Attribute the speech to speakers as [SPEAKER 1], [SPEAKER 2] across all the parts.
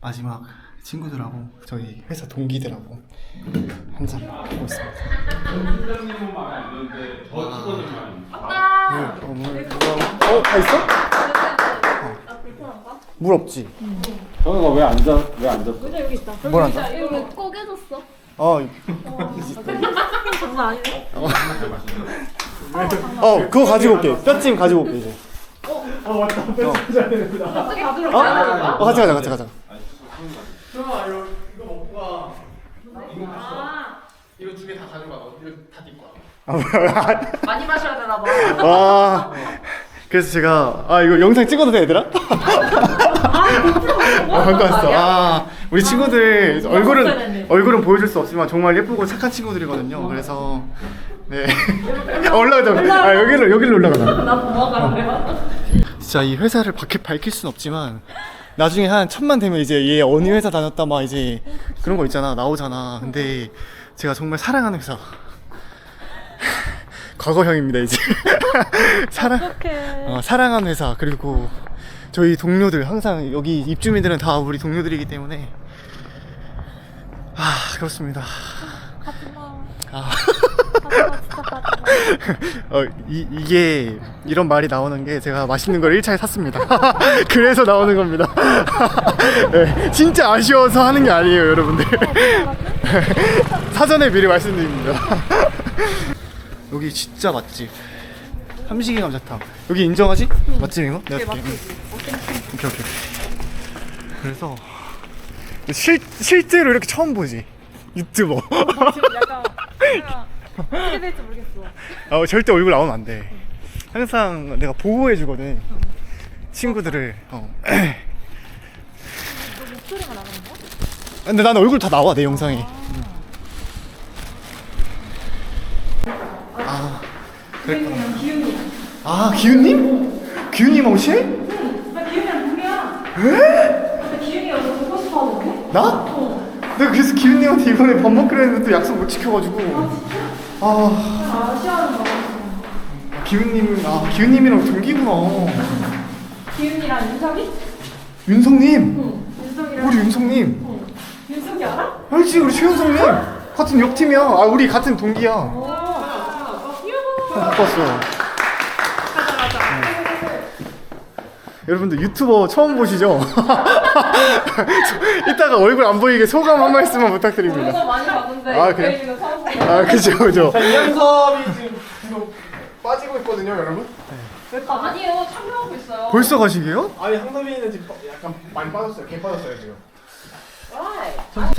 [SPEAKER 1] 마지막 친구들하고 저희 회사 동기들하고 한잔 하고 있습니다. 다 있어? 물 없지?
[SPEAKER 2] 정우가 왜 앉았어?
[SPEAKER 3] 의자 여기 있다.
[SPEAKER 1] 뭘 앉아?
[SPEAKER 3] 이거 왜 꺼개졌어? 장난 아니네.
[SPEAKER 1] 그거 가지고 올게. 뼈찜 가지고 올게 이제.
[SPEAKER 2] 맞다. 뺏어줘야 되는구나.
[SPEAKER 3] 갑자기 가지러 가야
[SPEAKER 1] 같이 가자.
[SPEAKER 2] 정아 이거 먹고 가.
[SPEAKER 1] 이거 두 개 다 가져가. 이거 다 네 거야.
[SPEAKER 3] 많이 마셔야 되나 봐.
[SPEAKER 1] 그래서 제가 이거 영상 찍어도 돼 얘들아? 갖고 왔어. 우리 친구들 얼굴은 보여줄 수 없지만 정말 예쁘고 착한 친구들이거든요. 그래서 네 올라가자. 여기로 올라가자.
[SPEAKER 3] 나 도망갈래요?
[SPEAKER 1] 진짜 이 회사를 밝힐 순 없지만 나중에 한 1000만 되면 이제 얘 어느 회사 다녔다 막 이제 그런 거 있잖아 나오잖아. 근데 제가 정말 사랑하는 회사 과거형입니다 이제. 사랑하는 회사. 그리고 저희 동료들 항상 여기 입주민들은 다 우리 동료들이기 때문에 그렇습니다. 이게 이런 말이 나오는 게 제가 맛있는 걸 1차에 샀습니다. 그래서 나오는 겁니다. 네, 진짜 아쉬워서 하는 게 아니에요 여러분들. 사전에 미리 말씀드립니다. 여기 진짜 맛집 삼식이 감자탕. 여기 인정하지? 맛집 이거? 내가 줄게. 오케이. 그래서 실제로 이렇게 처음 보지 유튜버.
[SPEAKER 3] 지금 약간 어떻게 될지 모르겠어.
[SPEAKER 1] 절대 얼굴 나오면 안 돼. 항상 내가 보호해 주거든 친구들을.
[SPEAKER 3] 너 목소리가 나가는 거야?
[SPEAKER 1] 근데 난 얼굴 다 나와 내 영상에.
[SPEAKER 3] 그냥 기훈이.
[SPEAKER 1] 기훈님? 기훈님 옷이?
[SPEAKER 3] 나 기훈이랑 동기야.
[SPEAKER 1] 왜?
[SPEAKER 3] 나 기훈이가 너 보고 싶어 하는데?
[SPEAKER 1] 나? 내가 그래서 기훈님한테 이번에 밥 먹기로 했는데 또 약속 못 지켜가지고.
[SPEAKER 3] 아쉬워하는 거.
[SPEAKER 1] 기훈님이랑 동기구나.
[SPEAKER 3] 기훈이랑 윤석이?
[SPEAKER 1] 윤성님.
[SPEAKER 3] 응. 윤석이랑.
[SPEAKER 1] 우리 윤성님.
[SPEAKER 3] 응. 윤석이 알아?
[SPEAKER 1] 알지 우리 최윤성님. 같은 옆팀이야. 우리 같은 동기야. 못 봤어. 여러분들 유튜버 처음 보시죠? 이따가 얼굴 안 보이게 소감 한 말씀만 부탁드립니다.
[SPEAKER 3] 이거 많이 봤는데
[SPEAKER 1] 그래?
[SPEAKER 3] 저희는 처음 보는
[SPEAKER 1] 그죠.
[SPEAKER 2] 자, 이현섭이 지금 빠지고 있거든요, 여러분.
[SPEAKER 3] 아니에요. 참여하고 있어요.
[SPEAKER 1] 벌써 가시게요?
[SPEAKER 2] 아니 황섭이는 지금 약간 많이 빠졌어요. 개 빠졌어요 지금.
[SPEAKER 1] 자,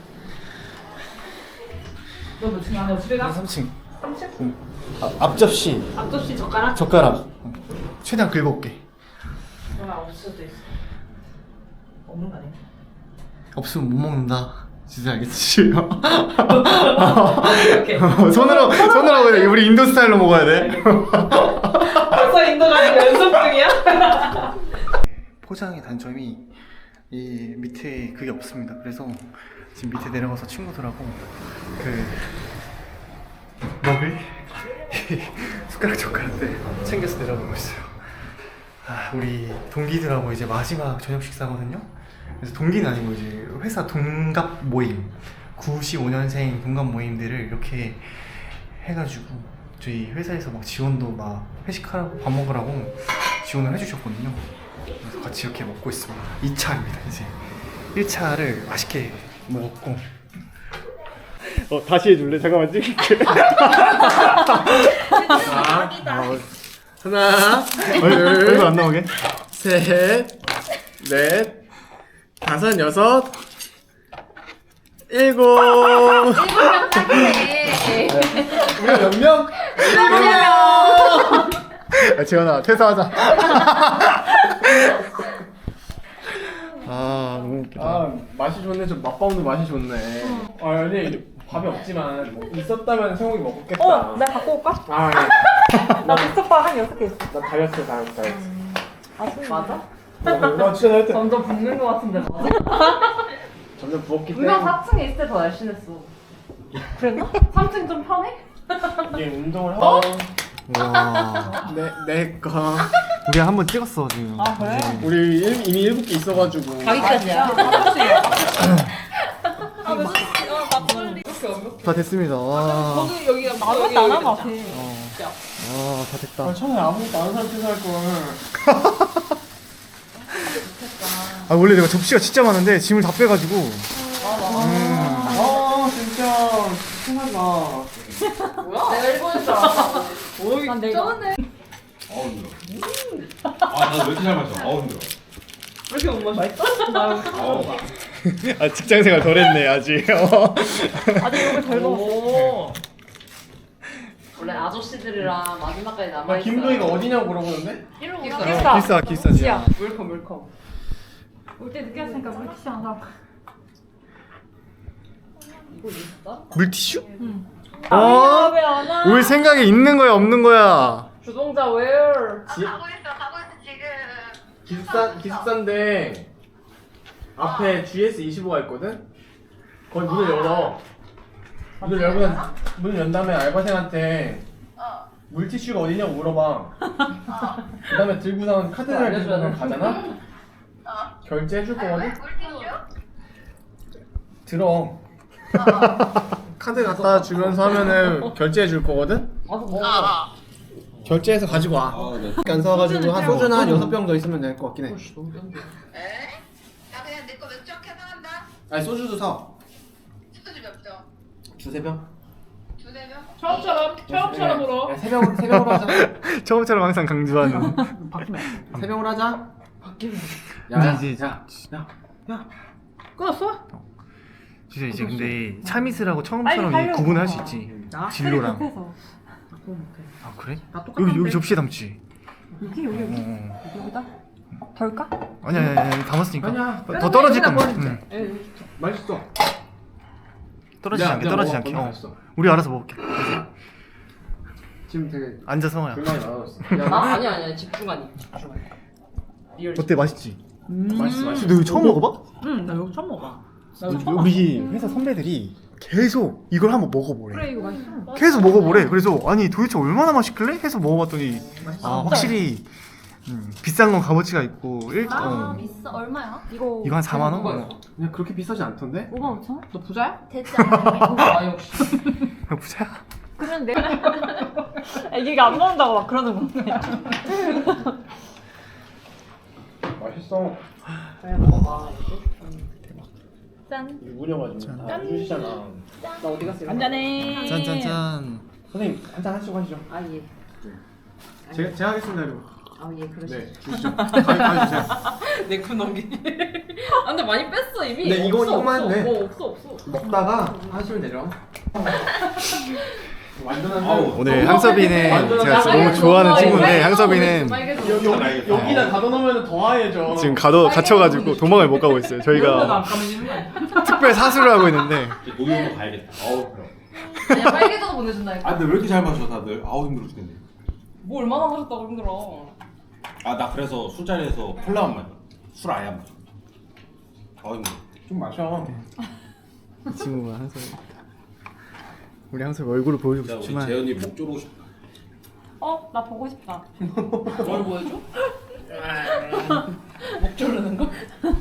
[SPEAKER 3] 너 몇 층이야? 너 집에 가?
[SPEAKER 1] 3층.
[SPEAKER 3] 3층?
[SPEAKER 1] 앞접시,
[SPEAKER 3] 앞접시 젓가락?
[SPEAKER 1] 젓가락. 최대한 긁어올게.
[SPEAKER 3] 그러면 없을 수도 있어. 없는 거 아니야?
[SPEAKER 1] 없으면 못 먹는다. 진짜 알겠지?
[SPEAKER 3] 오케이.
[SPEAKER 1] 손으로 하고 돼. 우리 인도 스타일로 먹어야 돼.
[SPEAKER 3] 벌써 인도 가는 거 연습 중이야?
[SPEAKER 1] 포장의 단점이 이 밑에 그게 없습니다. 그래서 지금 밑에 내려가서 친구들하고 먹을 숟가락 젓가락들 챙겨서 내려가고 있어요. 우리 동기들하고 이제 마지막 저녁 식사거든요. 그래서 동기는 아니고 이제 회사 동갑 모임 95년생 동갑 모임들을 이렇게 해가지고 저희 회사에서 막 지원도 막 회식하라고 밥 먹으라고 지원을 해주셨거든요. 그래서 같이 이렇게 먹고 있습니다. 2차입니다 이제. 1차를 맛있게 먹었고. 다시 해줄래? 잠깐만 찍을게.
[SPEAKER 2] 하나,
[SPEAKER 1] 얼굴 안 나오게.
[SPEAKER 2] 셋, 넷, 다섯, 여섯, 일곱.
[SPEAKER 3] 일곱 딱이네.
[SPEAKER 2] 우리가 몇 명?
[SPEAKER 1] 지원아 퇴사하자. 너무 웃기다.
[SPEAKER 2] 맛이 좋네. 좀 맛보는데 맛이 좋네. 아니 밥이 없지만 뭐 있었다면 성욱이 먹었겠다.
[SPEAKER 3] 내가 갖고 올까?
[SPEAKER 2] 네.
[SPEAKER 3] 나 빅스파 한 6개 있어.
[SPEAKER 2] 나 다이어트.
[SPEAKER 3] 맞아?
[SPEAKER 2] 나 진짜 다이어트.
[SPEAKER 3] 점점 붓는 거 같은데 맞아?
[SPEAKER 2] 점점 부었기
[SPEAKER 3] 분명
[SPEAKER 2] 때문에
[SPEAKER 3] 4층에 있을 때 더 날씬했어. 그랬나? 3층 좀 편해?
[SPEAKER 2] 이게 운동을 하고
[SPEAKER 1] 와.
[SPEAKER 2] 내 거.
[SPEAKER 1] 우리 한번 찍었어 지금.
[SPEAKER 3] 아, 그래?
[SPEAKER 2] 우리 이미 7개 있어가지고.
[SPEAKER 3] 가기까지야.
[SPEAKER 1] 다 됐습니다. 와.
[SPEAKER 3] 거기 여기가
[SPEAKER 4] 아무것도 안 한 것 같아.
[SPEAKER 1] 다 됐다.
[SPEAKER 2] 아, 처음에 아무것도 안 한 상태에서 할 걸.
[SPEAKER 1] 아 원래 내가 접시가 진짜 많은데 짐을 다 빼가지고.
[SPEAKER 2] 아, 진짜. 생각나.
[SPEAKER 3] 뭐야? 내가 일본에서 알았어.
[SPEAKER 4] 난 내가
[SPEAKER 5] 아우 힘들어. 아나 왜 이렇게 잘 마셔? 아우 힘들어.
[SPEAKER 3] 왜 이렇게 못 마셔?
[SPEAKER 5] 아우.
[SPEAKER 1] 아 직장생활 덜했네 아직.
[SPEAKER 4] 아직 이거 덜 먹었어.
[SPEAKER 3] 오. 원래 아저씨들이랑 마지막까지
[SPEAKER 2] 나
[SPEAKER 3] 남아있어.
[SPEAKER 2] 김도희가 어디냐고 물어보는데?
[SPEAKER 4] 기숙사.
[SPEAKER 1] 기싸지야.
[SPEAKER 3] 물컵 물컵.
[SPEAKER 4] 올 때 늦게 왔으니까 물티슈 안 사고.
[SPEAKER 3] 이거 있어?
[SPEAKER 1] 물티슈?
[SPEAKER 4] 아, 왜안 와?
[SPEAKER 1] 올 생각이 있는 거야 없는 거야?
[SPEAKER 3] 주동자 웨어.
[SPEAKER 2] 지-
[SPEAKER 6] 가고 있어 지금.
[SPEAKER 2] 기숙사인데 앞에 GS25가 있거든? 거기 문을 열어. 문을 연 다음에 알바생한테 물티슈가 어디냐고 물어봐. 그 다음에 들고서 카드를
[SPEAKER 3] 알려줘야
[SPEAKER 2] 들고
[SPEAKER 3] 돼.
[SPEAKER 2] 가잖아? 결제해줄 거거든?
[SPEAKER 6] 물티슈?
[SPEAKER 2] 들어. 카드 갖다 주면서 하면은 결제해줄 거거든?
[SPEAKER 3] 와서 먹어.
[SPEAKER 2] 결제해서 가지고 와.
[SPEAKER 5] 아 네.
[SPEAKER 2] 안 사가지고 한 소주나 한 6병 더 있으면 될 것 같긴 해.
[SPEAKER 6] 에? 나 그냥 내 거 맥주 한 캔 사간다.
[SPEAKER 2] 아니 소주도 사.
[SPEAKER 6] 소주 몇 병?
[SPEAKER 2] 두세 병?
[SPEAKER 6] 두세 병?
[SPEAKER 3] 처음처럼 울어.
[SPEAKER 2] 야, 세 병으로 하자.
[SPEAKER 1] 처음처럼 항상 강조하는.
[SPEAKER 2] 세 병으로 하자.
[SPEAKER 1] 이제
[SPEAKER 2] 야.
[SPEAKER 3] 끊었어?
[SPEAKER 1] 진짜 이제 근데 참이슬하고
[SPEAKER 4] 빨리
[SPEAKER 1] 처음처럼
[SPEAKER 4] 하려고.
[SPEAKER 1] 구분할 수 있지. 진로랑.
[SPEAKER 4] 급해서.
[SPEAKER 1] 아 그래?
[SPEAKER 3] 다 똑같은데.
[SPEAKER 1] 여기 접시에 담지.
[SPEAKER 4] 여기 여기다 덜까?
[SPEAKER 1] 아니야 담았으니까.
[SPEAKER 2] 아니야.
[SPEAKER 1] 더 떨어질
[SPEAKER 3] 그냥
[SPEAKER 1] 거면.
[SPEAKER 3] 버리자.
[SPEAKER 2] 맛있어.
[SPEAKER 1] 떨어지지 않게 떨어지지 않게. 우리 알아서 먹을게.
[SPEAKER 2] 지금 되게
[SPEAKER 1] 앉아서 먹어야.
[SPEAKER 2] 불만이 많아졌어.
[SPEAKER 3] 아니야 집중하니. 리얼.
[SPEAKER 1] 어때 맛있지?
[SPEAKER 2] 맛있어.
[SPEAKER 1] 너 이거 처음 먹어봐?
[SPEAKER 3] 응, 나 여기 처음 먹어.
[SPEAKER 1] 우리 회사 선배들이 계속 이걸 한번 먹어보래.
[SPEAKER 4] 그래 이거 맛있어.
[SPEAKER 1] 계속 먹어보래. 그래서 아니 도대체 얼마나 맛있길래? 해서 먹어봤더니 아 확실히 비싼 건 값어치가 있고
[SPEAKER 7] 비싸 얼마야?
[SPEAKER 4] 이거
[SPEAKER 1] 이거 한 4만 원?
[SPEAKER 2] 그냥 그렇게 비싸지 않던데?
[SPEAKER 4] 5만 5천 원?
[SPEAKER 3] 너 부자야?
[SPEAKER 7] 되지 않아?
[SPEAKER 3] 아 역시.
[SPEAKER 1] 그냥 부자야.
[SPEAKER 4] 그러면 내가 애기가 안 먹는다고 막 그러는 건데.
[SPEAKER 2] 맛있어.
[SPEAKER 3] 그래 먹어.
[SPEAKER 4] 짠.
[SPEAKER 2] 우려가지고 다 주시잖아.
[SPEAKER 3] 나 어디 갔어?
[SPEAKER 4] 한잔해.
[SPEAKER 1] 짠짠짠.
[SPEAKER 2] 선생님 한잔 하시고 하시죠.
[SPEAKER 3] 아 예.
[SPEAKER 2] 제가 하겠습니다 이거.
[SPEAKER 3] 아 예 그러시.
[SPEAKER 2] 네 주시죠. 가위 주세요.
[SPEAKER 3] 내군 넘기기. 아 근데 많이 뺐어 이미.
[SPEAKER 2] 네, 이거만
[SPEAKER 3] 없어.
[SPEAKER 2] 돼.
[SPEAKER 3] 없어.
[SPEAKER 2] 먹다가 하시면 되죠. 완전한
[SPEAKER 5] 아우.
[SPEAKER 1] 오늘 향섭이는
[SPEAKER 2] 완전
[SPEAKER 1] 제가
[SPEAKER 3] 아,
[SPEAKER 1] 너무 좋아하는 친구인데 향섭이는
[SPEAKER 2] 여기다 가둬 놓으면 더 하얘져.
[SPEAKER 1] 지금 갇혀가지고 도망을 못 가고 있어요. 저희가
[SPEAKER 3] 까매지는 거 아니야?
[SPEAKER 1] 특별 사수를 하고 있는데
[SPEAKER 5] 노유로 가야겠다. 아우 그럼.
[SPEAKER 3] 아니야 빨개져서 보내준다니까.
[SPEAKER 5] 아 근데 왜 이렇게 잘 마셔 다들? 아우 힘들어 죽겠네.
[SPEAKER 3] 뭐 얼마나 마셨다고 힘들어.
[SPEAKER 5] 아 나 그래서 술자리에서 콜라만 마셔. 술 아예 안 마셔. 아우 힘들어.
[SPEAKER 2] 좀 마셔.
[SPEAKER 1] 이 친구가 향섭이 우리 향섭이 얼굴을 보여주고
[SPEAKER 5] 진짜 우리
[SPEAKER 1] 싶지만
[SPEAKER 5] 재현이 목 조르고 싶다.
[SPEAKER 4] 나 보고 싶다.
[SPEAKER 3] 뭘 보여줘? 목 조르는 거?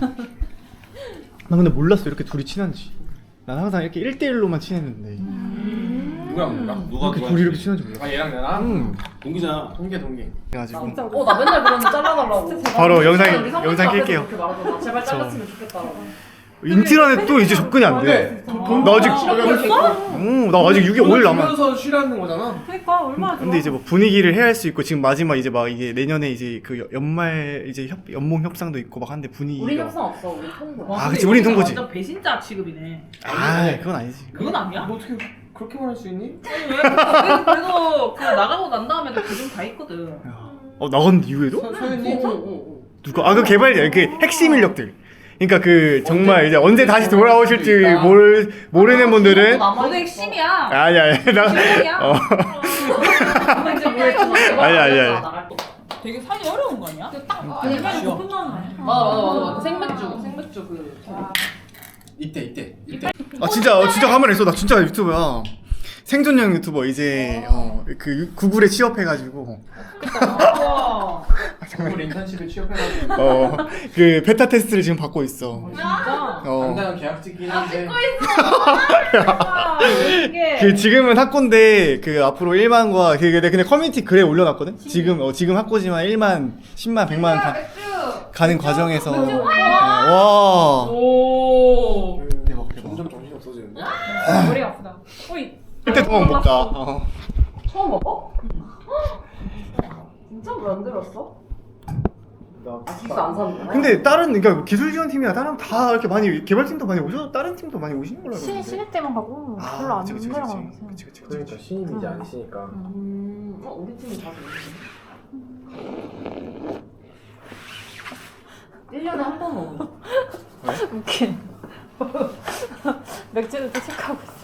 [SPEAKER 1] 나 근데 몰랐어 이렇게 둘이 친한지. 난 항상 이렇게 1대1로만 친했는데
[SPEAKER 2] 누구랑
[SPEAKER 5] 누가
[SPEAKER 1] 이렇게 둘이 이렇게 친한지 몰랐어.
[SPEAKER 2] 아 얘랑 나랑?
[SPEAKER 1] 응.
[SPEAKER 5] 동기잖아.
[SPEAKER 2] 동기.
[SPEAKER 1] 그래가지고
[SPEAKER 3] 나 맨날 그러는데 잘라달라고.
[SPEAKER 1] 바로 영상
[SPEAKER 3] 우리 선배님
[SPEAKER 1] 끌게요.
[SPEAKER 3] 앞에서 그렇게 말하잖아. 제발 잘랐으면 좋겠다라고.
[SPEAKER 1] 인트라넷 또 이제 접근이 안 돼. 나 아직 나 아직 6개 5일 남아.
[SPEAKER 2] 주면서 쉬라는 거잖아.
[SPEAKER 4] 그러니까 얼마나 좋아.
[SPEAKER 1] 근데 이제 뭐 분위기를 해야 할 수 있고 지금 마지막 이제 막 이게 내년에 이제 그 연말 이제 연봉 협상도 있고 막 한데
[SPEAKER 3] 우리
[SPEAKER 1] 분위기가
[SPEAKER 3] 협상 없어. 우리 통보.
[SPEAKER 1] 아 그치 우린 통보지.
[SPEAKER 3] 완전 배신자 취급이네.
[SPEAKER 1] 아 그건 아니지.
[SPEAKER 3] 그건 아니야.
[SPEAKER 2] 너 어떻게 그렇게 말할 수 있니?
[SPEAKER 3] 그래도 그 나가고 난 다음에도 그중 다 있거든.
[SPEAKER 1] 나간 이후에도?
[SPEAKER 2] 소연님?
[SPEAKER 1] 누가 그 개발자 그 핵심 인력들. 그러니까 그 정말 이제 언제 다시 돌아오실지 모르는 분들은
[SPEAKER 3] 너도 핵심이야.
[SPEAKER 1] 아니야 나
[SPEAKER 3] 이제 뭐했잖아.
[SPEAKER 1] 아니야.
[SPEAKER 4] 되게 사기 어려운 거 아니야?
[SPEAKER 3] 아니,
[SPEAKER 4] 아니면 못 끝나는 거 아니야?
[SPEAKER 3] 맞아. 생맥주 그.
[SPEAKER 2] 이때.
[SPEAKER 1] 아 진짜 가만히 있어 나 진짜 유튜브야 생존형 유튜버 이제 그 구글에 취업해가지고
[SPEAKER 3] 우와.
[SPEAKER 2] 우리 인턴십에 취업해가지고
[SPEAKER 1] 그 베타 테스트를 지금 받고 있어.
[SPEAKER 3] 진짜?
[SPEAKER 2] 당장 계약직이긴 한데
[SPEAKER 3] 이게
[SPEAKER 1] 그 지금은 학고인데 그 앞으로 1만과 근데 커뮤니티 글에 올려놨거든. 지금 학고지만 1만, 10만, 100만 가는 과정에서 와
[SPEAKER 3] 오.
[SPEAKER 1] 대박.
[SPEAKER 2] 점점 정신이 없어지는데?
[SPEAKER 3] 머리가 아프다. 어이.
[SPEAKER 1] 그때 도망 못 가.
[SPEAKER 3] 처음 먹어? 진짜 만들었어?
[SPEAKER 2] 나
[SPEAKER 3] 기스 안 사는 거야?
[SPEAKER 1] 근데 다른 그러니까 기술 지원 팀이나 다른 다 이렇게 많이 개발팀도 많이 오셔 다른 팀도 많이 오시는 걸로 알고 있는데.
[SPEAKER 4] 신입 때만 가고 별로 안 내려가는 것 같아요.
[SPEAKER 2] 그러니까 신입이 이제 아니시니까
[SPEAKER 3] 우리 팀이 다 1년에 한 번 먹어.
[SPEAKER 4] 웃긴. 맥주를 또 체크하고 있어.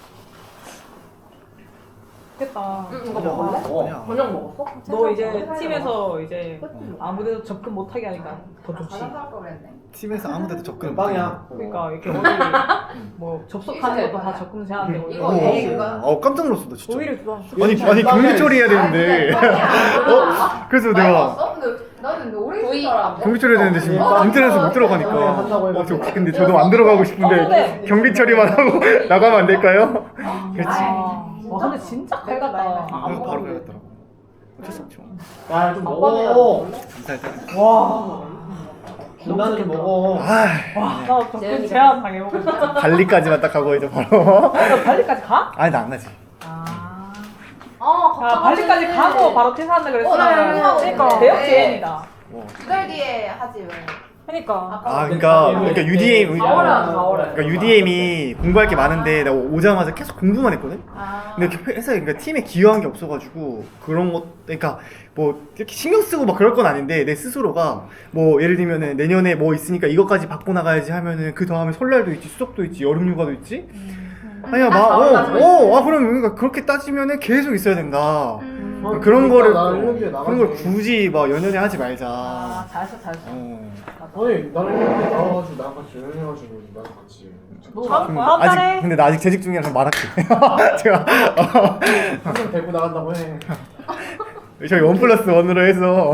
[SPEAKER 3] 좋겠다.
[SPEAKER 4] 이거 먹을래?
[SPEAKER 1] 아니야.
[SPEAKER 3] 저녁 먹었어?
[SPEAKER 8] 너 이제 팀에서 이제 아무데도 접근 못하게 하니까 더 좋지.
[SPEAKER 1] 팀에서 아무데도 접근
[SPEAKER 2] 빵이야.
[SPEAKER 8] 그러니까 이렇게 어디 뭐 접속하는 것도 다 접근 제한되고
[SPEAKER 3] 이거 애
[SPEAKER 1] 깜짝 놀랐어 나 진짜.
[SPEAKER 8] 오히려 좋아.
[SPEAKER 1] 아니 경비 처리해야 되는데. 그래서 내가
[SPEAKER 6] 나는 오래
[SPEAKER 3] 조이.
[SPEAKER 1] 경비 처리해야 되는데 지금 인터넷에서 못 들어가니까.
[SPEAKER 2] 한다고
[SPEAKER 1] 저 근데 저도 안 들어가고 싶은데 경비 처리만 하고 나가면 안 될까요? 그렇지.
[SPEAKER 8] 와 근데 진짜 밝았다.
[SPEAKER 1] 바로 가야겠더라고. 어쩔 수 없죠.
[SPEAKER 2] 야좀 먹어
[SPEAKER 8] 와.
[SPEAKER 2] 김나는 좀 먹어
[SPEAKER 8] 나 접근 제한 당해보고 싶다.
[SPEAKER 1] 발리까지만 딱 가고 이제 바로.
[SPEAKER 8] 너 발리까지 가?
[SPEAKER 1] 아니 나 안 가지.
[SPEAKER 8] 아.
[SPEAKER 7] 어,
[SPEAKER 8] 야 발리까지 가고 바로 퇴사한다 그랬으면
[SPEAKER 7] 그러니까.
[SPEAKER 8] 대역 제한이다.
[SPEAKER 7] 2달 뒤에 하지 왜?
[SPEAKER 8] 그러니까.
[SPEAKER 1] 그러니까 UDM
[SPEAKER 3] 4월에.
[SPEAKER 1] 그러니까 UDM이 공부할 게 많은데 나 오자마자 계속 공부만 했거든.
[SPEAKER 7] 아.
[SPEAKER 1] 근데 회사에 그러니까 팀에 기여한 게 없어가지고 그런 것 그러니까 뭐 이렇게 신경 쓰고 막 그럴 건 아닌데 내 스스로가 뭐 예를 들면은 내년에 뭐 있으니까 이것까지 받고 나가야지 하면은 그 다음에 설날도 있지 수석도 있지 여름휴가도 있지. 아니야 그럼 그러니까 그렇게 따지면은 계속 있어야 된다. 그런 거를 그런 걸 굳이 막 연연해 하지 말자.
[SPEAKER 8] 아 잘했어.
[SPEAKER 2] 아니 나는 1년에 나와가지고 나랑 같이 여행해가지고 나랑 같이
[SPEAKER 8] 다음 달에.
[SPEAKER 1] 아직 근데 나 아직 재직 중이라서 말할게. 제가
[SPEAKER 2] 한명 데리고 나간다고 해
[SPEAKER 1] 저희 1+1으로 해서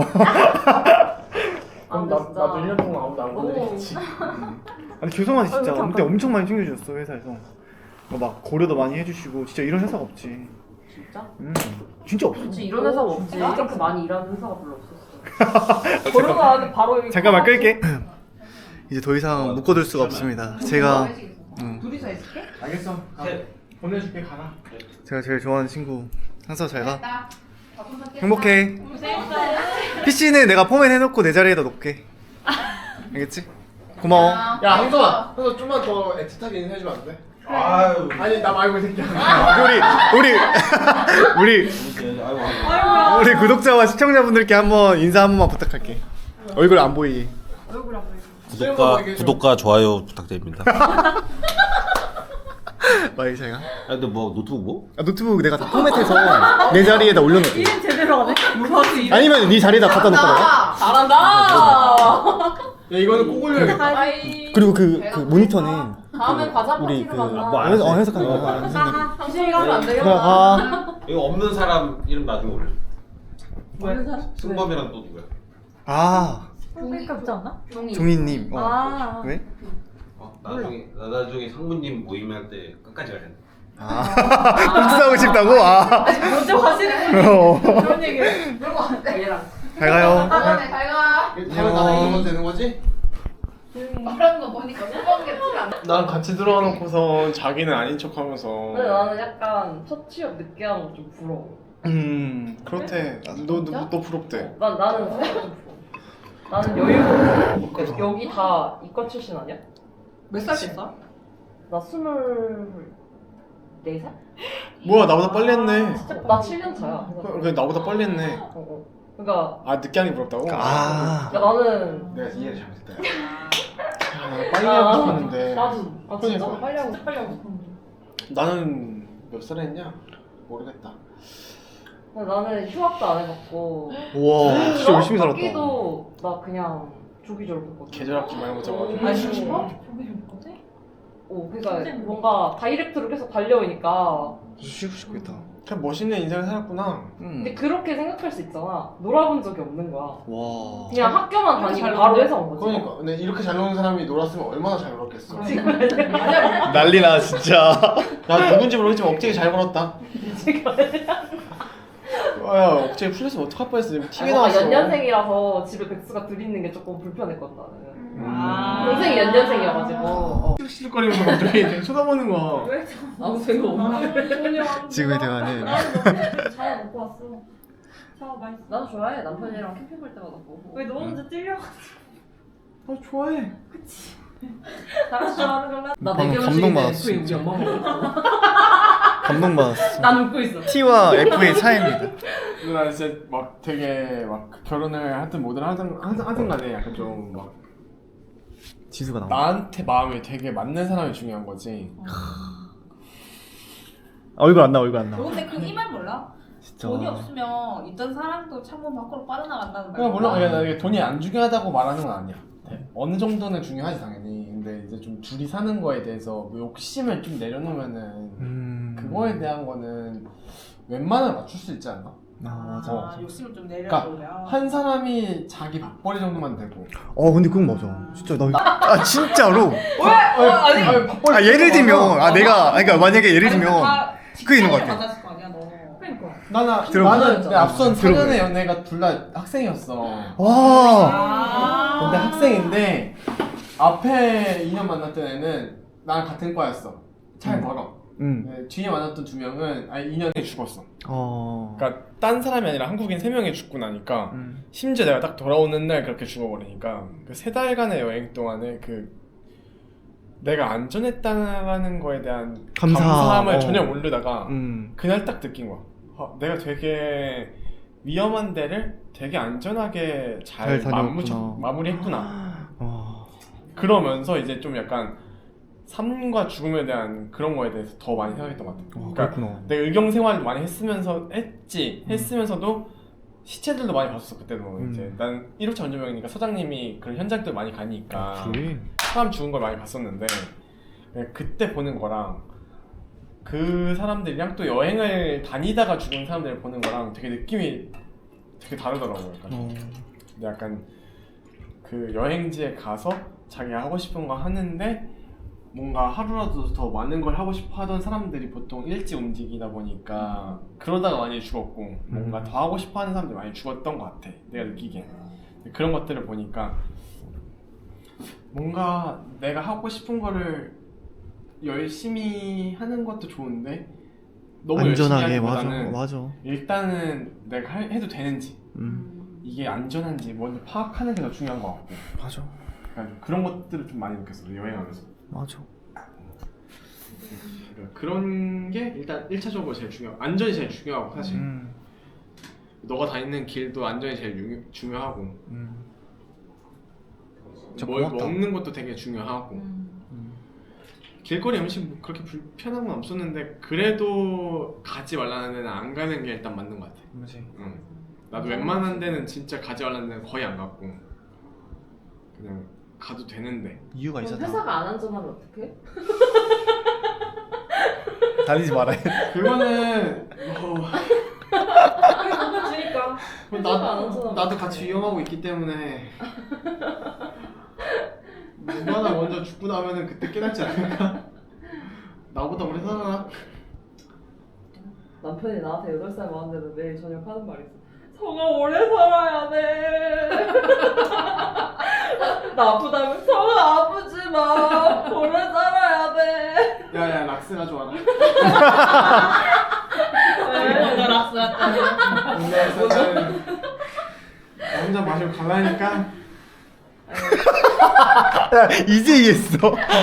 [SPEAKER 2] 그럼 나도 1년 동안 아무도 안 건드리겠지
[SPEAKER 1] 아니 죄송하지 진짜 근데 엄청 많이 챙겨주셨어 회사에서 막 고려도 많이 해주시고 진짜 이런 회사가 없지.
[SPEAKER 3] 진짜?
[SPEAKER 1] 진짜 없어.
[SPEAKER 3] 진짜 이런 회사가 없지. 이렇게 많이 일하는 회사가 별로 없었어.
[SPEAKER 8] 코로나 바로 여기.
[SPEAKER 1] 잠깐만 끌게. 이제 더 이상 묶어둘 수가 없습니다. 제가
[SPEAKER 3] 둘이서 있을게?
[SPEAKER 2] 알겠어 보내줄게 가라
[SPEAKER 1] 제가 제일 좋아하는 친구 항상 잘 가. 행복해. PC는 내가 포맷 해놓고 내 자리에다 놓게. 알겠지? 고마워.
[SPEAKER 2] 야 항서아 좀만 더 애틋하게 인사해주면 안 돼?
[SPEAKER 5] 아유.
[SPEAKER 2] 아니 나 말고 이 새끼야
[SPEAKER 1] 우리 구독자와 시청자분들께 한번 인사 한 번만 부탁할게. 얼굴 안 보이게.
[SPEAKER 5] 구독과 좋아요 부탁드립니다.
[SPEAKER 1] 마이 잘가.
[SPEAKER 5] 근데 뭐 노트북 뭐?
[SPEAKER 1] 노트북 내가 다 포맷해서 내 자리에다 올려놓게.
[SPEAKER 8] 제대로 하네.
[SPEAKER 1] 아니면 네 자리에다 갖다 놓거나.
[SPEAKER 3] 잘한다.
[SPEAKER 2] 야 이거는 꼭 올려야겠다
[SPEAKER 1] 그리고 그 모니터는
[SPEAKER 3] 다음엔 과자
[SPEAKER 1] 우리
[SPEAKER 3] 파티로
[SPEAKER 1] 그
[SPEAKER 3] 만나.
[SPEAKER 1] 해석하는 거. 선생님.
[SPEAKER 3] 당신이가 하면 안
[SPEAKER 1] 그래
[SPEAKER 3] 되겠다.
[SPEAKER 5] 이거 없는 사람 이름 나중에 올려.
[SPEAKER 3] 없는 사람?
[SPEAKER 5] 승범이랑 또 누구야?
[SPEAKER 4] 그러니까 없지 않나?
[SPEAKER 1] 종이님.
[SPEAKER 4] 아.
[SPEAKER 1] 왜?
[SPEAKER 5] 나중에 상무님 모임할 때 끝까지 가야 돼.
[SPEAKER 1] 복수하고 싶다고?
[SPEAKER 8] 먼저 가시는 그런 얘기를.
[SPEAKER 3] 얘랑.
[SPEAKER 1] 잘 가요.
[SPEAKER 6] 다음에 잘 가.
[SPEAKER 2] 다음에 나랑 이러면 되는 거지?
[SPEAKER 6] 말하는 거 보니까 수박 게 티가 안 나.
[SPEAKER 2] 난 같이 들어와놓고서 자기는 아닌 척하면서
[SPEAKER 3] 근데 나는 약간 첫 취업 늦게 하는 거 좀 부러워.
[SPEAKER 2] 그렇대 너 부럽대
[SPEAKER 3] 나는 진짜 좀 부러워. 나는 여유가 여기 다 이과 출신 아니야?
[SPEAKER 8] 몇 살 됐어?
[SPEAKER 3] 나 24살?
[SPEAKER 2] 뭐야 나보다 빨리 했네
[SPEAKER 3] 진짜 나 7년 차야.
[SPEAKER 2] 그래 나보다 빨리 했네
[SPEAKER 3] 그러니까
[SPEAKER 2] 늦게 하는 게 부럽다고?
[SPEAKER 3] 야, 나는
[SPEAKER 2] 내가 이해를 잘못했다 빨리 하고 싶었는데
[SPEAKER 3] 나도 진짜
[SPEAKER 2] 그러니까.
[SPEAKER 3] 빨리 하고 싶어.
[SPEAKER 2] 나는 몇 살에 했냐? 모르겠다
[SPEAKER 3] 근데 나는 휴학도 안 해봤고.
[SPEAKER 1] 우와 진짜 열심히 살았다.
[SPEAKER 3] 학기도 나 그냥 조기졸 했거든.
[SPEAKER 2] 계절 학기 많이 못 잡아가지고
[SPEAKER 3] 아니 10번? 그러니까 뭔가 다이렉트로 계속 달려오니까.
[SPEAKER 1] 쉬고 싶겠다.
[SPEAKER 2] 참 멋있는 인생을 살았구나.
[SPEAKER 3] 근데 그렇게 생각할 수 있잖아. 놀아본 적이 없는 거야.
[SPEAKER 1] 와.
[SPEAKER 3] 그냥 학교만 다니고
[SPEAKER 8] 잘
[SPEAKER 3] 바로
[SPEAKER 8] 노네.
[SPEAKER 3] 회사 온 거지.
[SPEAKER 2] 그러니까 근데 이렇게 잘 노는 사람이 놀았으면 얼마나 잘 놀았겠어.
[SPEAKER 1] 난리나 진짜.
[SPEAKER 2] 나 누군지 모르겠지만 억제기 잘 벌었다. 야 억제기 풀렸으면 어떡할 뻔했어. TV
[SPEAKER 3] 뭔가
[SPEAKER 2] 나왔어.
[SPEAKER 3] 연년생이라서 집에 백수가 둘 있는 게 조금 불편했거든 나는.
[SPEAKER 8] 아.
[SPEAKER 3] 동생이 연년생이어가지고.
[SPEAKER 2] 실실거리면서 갑자기 되게 쳐다보는 거야.
[SPEAKER 3] 아무 생각 없는데.
[SPEAKER 1] 지금의 대화는
[SPEAKER 4] 잘 먹고 왔어. 샤워 맛있어.
[SPEAKER 3] 난 좋아해. 남편이랑 캠핑 갈 때마다 보고.
[SPEAKER 4] 왜 너 혼자 찔려?
[SPEAKER 2] 아 좋아해.
[SPEAKER 4] 다 같이 좋아하는 걸로.
[SPEAKER 3] 나
[SPEAKER 1] 방금
[SPEAKER 3] 내결혼식인데
[SPEAKER 1] 감동받았어,
[SPEAKER 3] 그게 우리
[SPEAKER 1] 진짜.
[SPEAKER 3] 엄마 먹었어.
[SPEAKER 1] 감동받았어.
[SPEAKER 3] 난 웃고 있어.
[SPEAKER 1] T와 F의 차이입니다.
[SPEAKER 2] 근데 나 진짜 막 되게 막 결혼을 하든 뭐든 하든 간에 약간 좀 막
[SPEAKER 1] 지수가 나와.
[SPEAKER 2] 나한테 마음이 되게 맞는 사람이 중요한 거지.
[SPEAKER 1] 얼굴 안 나와, 얼굴 안
[SPEAKER 6] 너
[SPEAKER 1] 나와.
[SPEAKER 6] 근데 그 이 말 몰라?
[SPEAKER 1] 진짜.
[SPEAKER 6] 돈이 없으면 있던 사람도 창문 밖으로 빠져나간다는 말.
[SPEAKER 2] 그냥 물론 나 이게 돈이 안 중요하다고 말하는 건 아니야. 어느 정도는 중요하지 당연히. 근데 이제 좀 둘이 사는 거에 대해서 뭐 욕심을 좀 내려놓으면은 그거에 대한 거는 웬만하면 맞출 수 있지 않나?
[SPEAKER 1] 아 맞아.
[SPEAKER 8] 아, 욕심을 좀
[SPEAKER 2] 그러니까
[SPEAKER 8] 내려놓으면.
[SPEAKER 2] 한 사람이 자기 밥벌이 정도만 되고.
[SPEAKER 1] 근데 그건 맞아. 진짜 나 진짜로.
[SPEAKER 2] 아니 밥벌이.
[SPEAKER 1] 예를 들면 내가 그러니까 만약에 예를 들면
[SPEAKER 8] 다
[SPEAKER 1] 그게 있는 것 같아.
[SPEAKER 8] 받았을 거 아니야 너.
[SPEAKER 3] 그러니까.
[SPEAKER 2] 나는 내 앞선
[SPEAKER 1] 들어보세요.
[SPEAKER 2] 4년의 연애가 둘 다 학생이었어.
[SPEAKER 1] 와.
[SPEAKER 8] 아.
[SPEAKER 2] 근데 학생인데 앞에 2년 만났던 애는 나랑 같은 과였어. 잘 벌어. 네, 뒤에 만났던 2명은 2년에 죽었어. 그러니까 딴 사람이 아니라 한국인 3명이 죽고 나니까 심지어 내가 딱 돌아오는 날 그렇게 죽어버리니까 그 3달간의 여행 동안에 그 내가 안전했다는 거에 대한 감사함을 전혀 모르다가 그날 딱 느낀 거야. 내가 되게 위험한 데를 되게 안전하게 잘
[SPEAKER 1] 다녀왔구나.
[SPEAKER 2] 마무리했구나. 그러면서 이제 좀 약간 삶과 죽음에 대한 그런 거에 대해서 더 많이 생각했던 것 같아. 그러니까
[SPEAKER 1] 그렇구나.
[SPEAKER 2] 내가 의경 생활을 많이 했으면서도 시체들도 많이 봤었어 그때도. 이제 난 1호차 운전병이니까 서장님이 그런 현장들 많이 가니까
[SPEAKER 1] 그래?
[SPEAKER 2] 사람 죽은 걸 많이 봤었는데 그때 보는 거랑 그 사람들이랑 또 여행을 다니다가 죽은 사람들을 보는 거랑 되게 느낌이 되게 다르더라고요. 근데 약간 그 여행지에 가서 자기가 하고 싶은 거 하는데 뭔가 하루라도 더 많은 걸 하고 싶어 하던 사람들이 보통 일찍 움직이다 보니까 그러다가 많이 죽었고 뭔가 더 하고 싶어 하는 사람들이 많이 죽었던 것 같아 내가 느끼기엔. 그런 것들을 보니까 뭔가 내가 하고 싶은 거를 열심히 하는 것도 좋은데 너무
[SPEAKER 1] 안전하게.
[SPEAKER 2] 열심히 하기보다는
[SPEAKER 1] 맞아.
[SPEAKER 2] 일단은 내가 해도 되는지 이게 안전한지 먼저 파악하는 게 더 중요한 것 같고.
[SPEAKER 1] 맞아.
[SPEAKER 2] 그러니까 그런 것들을 좀 많이 느꼈어 여행하면서.
[SPEAKER 1] 맞아.
[SPEAKER 2] 그러니까 그런 게 일단 1차적으로 제일 안전이 제일 중요하고 사실 너가 다니는 길도 안전이 제일 중요하고 뭘
[SPEAKER 1] 고맙다.
[SPEAKER 2] 먹는 것도 되게 중요하고 길거리 음식 뭐 그렇게 불편한 건 없었는데 그래도 가지 말라는 데는 안 가는 게 일단 맞는 것 같아.
[SPEAKER 1] 맞지.
[SPEAKER 2] 응. 나도 웬만한 데는 진짜 가지 말라는 데는 거의 안 갔고 그냥 가도 되는데.
[SPEAKER 1] 이유가
[SPEAKER 3] 그럼
[SPEAKER 1] 있었다.
[SPEAKER 3] 회사가 안 안전하면 어떡해?
[SPEAKER 1] 다니지 말아야 돼.
[SPEAKER 2] 그거는
[SPEAKER 3] 돈을 주니까. 회사가 안 안전하면
[SPEAKER 2] 나도
[SPEAKER 3] 어떡해?
[SPEAKER 2] 같이 위험하고 있기 때문에 누가 하나 먼저 죽고 나면은 그때 깨닫지 않을까? 나보다 오래 살아라.
[SPEAKER 3] 남편이 나한테 8살 많은데도 매일 저녁 하는 말이 있어. 성아 오래 살아야 돼. 나 아프다면 성아 아프지 마. 오래 살아야 돼.
[SPEAKER 2] 야야 락스 가져와라.
[SPEAKER 6] 먼저 락스 갔다.
[SPEAKER 2] 근데 사실 나 혼자 마시고 갈라니까.
[SPEAKER 1] 이제 이해했어.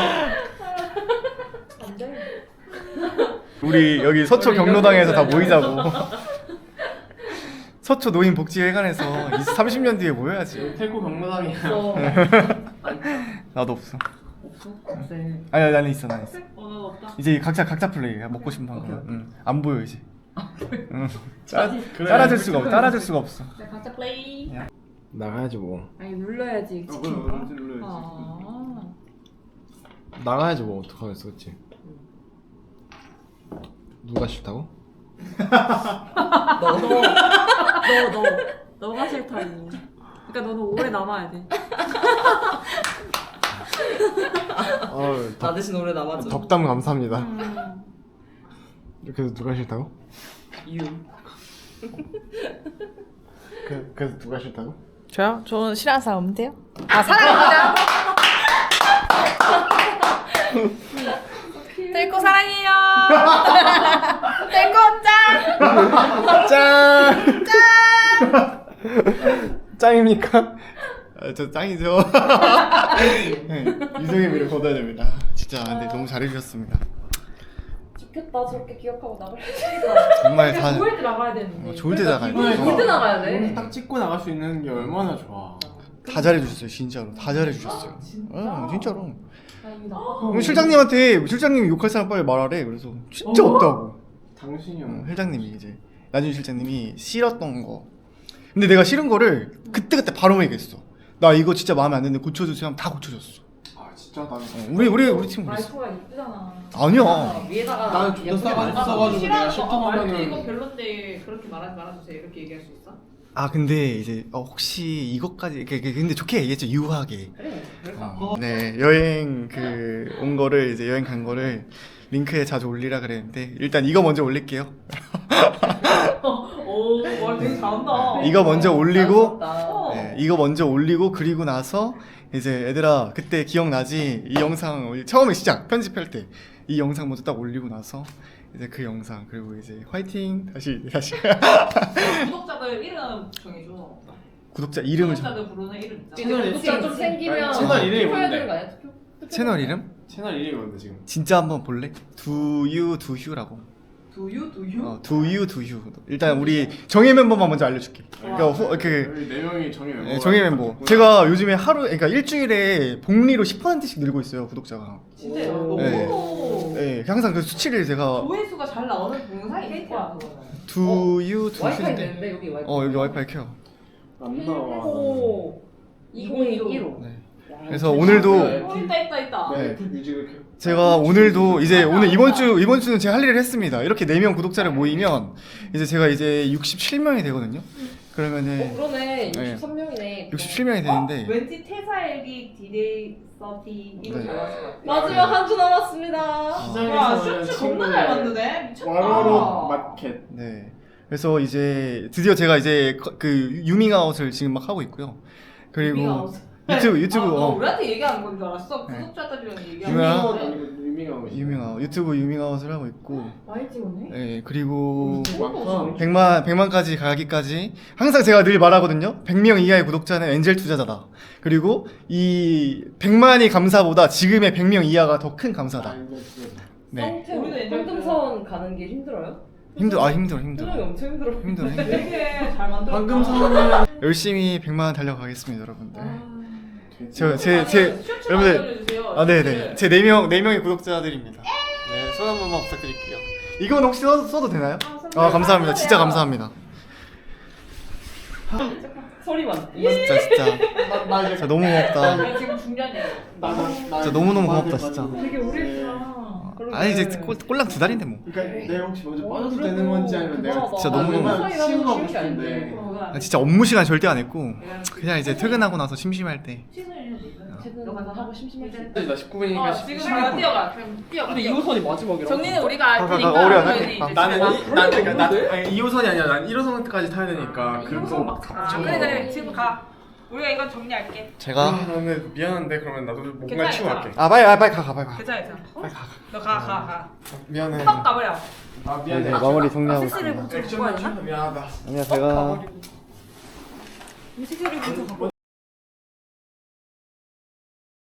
[SPEAKER 1] 우리 여기 서초 경로당에서 다 모이자고. 서초 노인복지회관에서 30년 뒤에 모여야지.
[SPEAKER 2] 태코 경로당이야.
[SPEAKER 3] 없어.
[SPEAKER 1] 나도 없어.
[SPEAKER 3] 없어? 없대.
[SPEAKER 1] 아니 나는 있어, 나는 있어.
[SPEAKER 8] 난 없다.
[SPEAKER 1] 이제 각자 플레이. 먹고 싶은 방법. 안 보여 이제.
[SPEAKER 2] 그래.
[SPEAKER 1] 따라줄 수가 없어.
[SPEAKER 6] 네, 각자 플레이.
[SPEAKER 2] 나가야지 뭐.
[SPEAKER 3] 아니 눌러야지.
[SPEAKER 2] 눌러야지.
[SPEAKER 3] 아.
[SPEAKER 2] 나가야지 뭐 어떡하겠어, 그치? 누가 싫다고?
[SPEAKER 4] 너가 싫다고. 그러니까 너는 오래 남아야 돼.
[SPEAKER 3] 나 대신 오래 남아줘.
[SPEAKER 2] 덕담 감사합니다. 그래서 누가 싫다고?
[SPEAKER 3] 이유.
[SPEAKER 2] 그래서 누가 싫다고?
[SPEAKER 8] 저요? 저는 싫어하는 사람 없는데요?
[SPEAKER 7] 아 사랑합니다. 뜰고 사랑해요. 뜰고 짱.
[SPEAKER 2] 짱입니까? 저 짱이죠. 네, 유승의 미를 거둬야 됩니다. 진짜 근데 너무 잘해주셨습니다.
[SPEAKER 3] 좋겠다. 저렇게 기억하고 나갈
[SPEAKER 2] 정말 다
[SPEAKER 4] 좋을 때 나가야 되는데.
[SPEAKER 2] 좋을 때 나가요.
[SPEAKER 3] 때 나가야 돼.
[SPEAKER 2] 딱 찍고 나갈 수 있는 게 얼마나 좋아. 다 잘해주셨어요, 진짜로. 다 잘해주셨어요. 진짜로. 실장님이 욕할 사람 빨리 말하래. 그래서 진짜 없다고. 당신이 실장님이 이제 나중에 실장님이 싫었던 거. 근데 내가 싫은 거를 그때 바로 얘기했어. 나 이거 진짜 마음에 안 드는데 고쳐주세요 하면 다 고쳐줬어. 아 진짜 나는 우리 팀 그랬어.
[SPEAKER 4] 말투가 이쁘잖아.
[SPEAKER 2] 아니야.
[SPEAKER 3] 위에다가
[SPEAKER 2] 나는 존나 싸가지 없어가지고 내가 싫다고
[SPEAKER 4] 말투 이거
[SPEAKER 2] 하면은.
[SPEAKER 4] 별론데 그렇게 말하지 말아주세요. 이렇게 얘기할 수 있어?
[SPEAKER 2] 아 근데 이제 혹시 이것까지 근데 좋게 얘기했죠. 유하게.
[SPEAKER 3] 그래.
[SPEAKER 2] 네 여행 온 거를 이제 여행 간 거를 링크에 자주 올리라 그랬는데 일단 이거 먼저 올릴게요.
[SPEAKER 4] 오, 말 되게 잘한다.
[SPEAKER 2] 이거 먼저 올리고
[SPEAKER 3] 어.
[SPEAKER 2] 네, 이거 먼저 올리고 그리고 나서 이제 얘들아 그때 기억나지? 이 영상 처음에 시작 편집할 때 이 영상 먼저 딱 올리고 나서 이제 그 영상 그리고 이제 화이팅 다시
[SPEAKER 4] 구독자들 이름 정해줘.
[SPEAKER 2] 구독자 이름을
[SPEAKER 4] 구독자들 부르는 이름 있잖아.
[SPEAKER 2] 채널
[SPEAKER 3] 구독자 좀 생기면
[SPEAKER 2] 채널 이름이
[SPEAKER 3] 투표해야
[SPEAKER 2] 뭔데?
[SPEAKER 3] 되는 거 아니야?
[SPEAKER 2] 채널 이름?
[SPEAKER 5] 채널 이름이 뭔데 지금?
[SPEAKER 2] 진짜 한번 볼래? 두유라고.
[SPEAKER 4] 두유?
[SPEAKER 2] 두유. 일단 우리 정예 멤버만 먼저 알려줄게. 그러니까
[SPEAKER 5] 여기 4명이 정해 멤버.
[SPEAKER 2] 정예 멤버. 제가 요즘에 그러니까 일주일에 복리로 10%씩 늘고 있어요 구독자가.
[SPEAKER 4] 진짜 너무
[SPEAKER 2] 네, 항상 그 수치를 제가
[SPEAKER 4] 조회수가 잘 나오는 동영상이 있을 거야 그거는.
[SPEAKER 3] 와이파이 되는데 여기 와이파이.
[SPEAKER 2] 여기 와이파이 켜요.
[SPEAKER 5] 안 나와.
[SPEAKER 4] 오.
[SPEAKER 3] 2015.
[SPEAKER 2] 네. 그래서 오늘도
[SPEAKER 4] 있다.
[SPEAKER 2] 네.
[SPEAKER 5] 애플 뮤직을 켜.
[SPEAKER 2] 제가 오늘도 이제 이번 주는 제가 할 일을 했습니다. 이렇게 4명 구독자를 모이면 이제 제가 이제 67명이 되거든요. 그러면은
[SPEAKER 3] 그러네.
[SPEAKER 2] 네.
[SPEAKER 3] 63명이네.
[SPEAKER 2] 67명이 되는데
[SPEAKER 4] 왠지 퇴사일기 디데이 서티 이거
[SPEAKER 2] 네.
[SPEAKER 4] 잘 왔을 것 같아.
[SPEAKER 3] 마지막 한 주 남았습니다.
[SPEAKER 4] 와 슈츠 겁나 잘 만드네. 미쳤다.
[SPEAKER 5] 와로로 마켓.
[SPEAKER 2] 네. 그래서 이제 드디어 제가 이제 그 유밍아웃을 지금 막 하고 있고요. 그리고
[SPEAKER 4] 유밍아웃.
[SPEAKER 2] 유튜브
[SPEAKER 4] 너 우리한테 얘기하는 건 줄 알았어. 구독자들이랑 얘기하는
[SPEAKER 2] 유명한-
[SPEAKER 4] 건데.
[SPEAKER 2] 유밍아웃 유튜브 유밍아웃을 하고 있고
[SPEAKER 4] 많이 찍었네.
[SPEAKER 2] 네, 그리고
[SPEAKER 5] 많다.
[SPEAKER 2] 100만까지 가기까지 항상 제가 늘 말하거든요. 100명 이하의 구독자는 엔젤 투자자다. 그리고 이 100만이 감사보다 지금의 100명 이하가 더 큰 감사다. 네.
[SPEAKER 3] 우리도 황금선 가는 게 힘들어요?
[SPEAKER 2] 힘들어.
[SPEAKER 3] 표정이 엄청 힘들어.
[SPEAKER 4] 되게 잘 만들었다.
[SPEAKER 5] 방금 선언을
[SPEAKER 2] 열심히 100만 달려가겠습니다, 여러분들. 제
[SPEAKER 4] 슈츠
[SPEAKER 2] 여러분들
[SPEAKER 4] 만들어주세요.
[SPEAKER 2] 네네 제 4명의 구독자들입니다. 네, 손 한 번만 부탁드릴게요. 이건 혹시 써도 되나요? 감사합니다. 진짜 감사합니다.
[SPEAKER 3] 소리만.
[SPEAKER 2] 진짜
[SPEAKER 5] 나 이제
[SPEAKER 2] 진짜 너무 고맙다.
[SPEAKER 4] 아니, 지금 중요한 얘기.
[SPEAKER 2] 진짜 너무너무 고맙다, 진짜.
[SPEAKER 4] 되게 오래했구나.
[SPEAKER 2] 아니 이제 꼴랑 2달인데 뭐.
[SPEAKER 5] 그러니까 내가 혹시 먼저 빠져도 되는 건지 아니면 내가
[SPEAKER 2] 진짜 너무
[SPEAKER 5] 치고 가고 싶은데.
[SPEAKER 2] 진짜 업무 시간 절대 안 했고 그냥 이제 퇴근하고 나서 심심할 때.
[SPEAKER 3] 쟤는 하고 심심할 때.
[SPEAKER 5] 나 19분이니까
[SPEAKER 4] 지금 잠깐 뛰어가. 뛰어가.
[SPEAKER 3] 근데 2호선이 마지막이라.
[SPEAKER 4] 정리는 우리가 알 테니까.
[SPEAKER 2] 어려워, 나-
[SPEAKER 4] 저희는 이제
[SPEAKER 5] 나는
[SPEAKER 4] 지금
[SPEAKER 5] 난 2호선이 아니라 난 1호선까지 타야 되니까 그리고
[SPEAKER 4] 그래 지금 가. 우리가 이건 정리할게.
[SPEAKER 2] 제가
[SPEAKER 5] 나는 미안한데 그러면 나도 뭔가
[SPEAKER 4] 괜찮아,
[SPEAKER 5] 치고 갈게.
[SPEAKER 2] 빨리 가 빨리 가.
[SPEAKER 4] 괜찮아. 너 가.
[SPEAKER 5] 미안해.
[SPEAKER 4] 팍 가버려.
[SPEAKER 5] 아 미안해.
[SPEAKER 2] 마무리 정리하고
[SPEAKER 4] 스스로
[SPEAKER 2] 있습니다.
[SPEAKER 4] 좀 주고 하나?
[SPEAKER 5] 미안하다.
[SPEAKER 2] 아니야 제가
[SPEAKER 4] 스스로 좀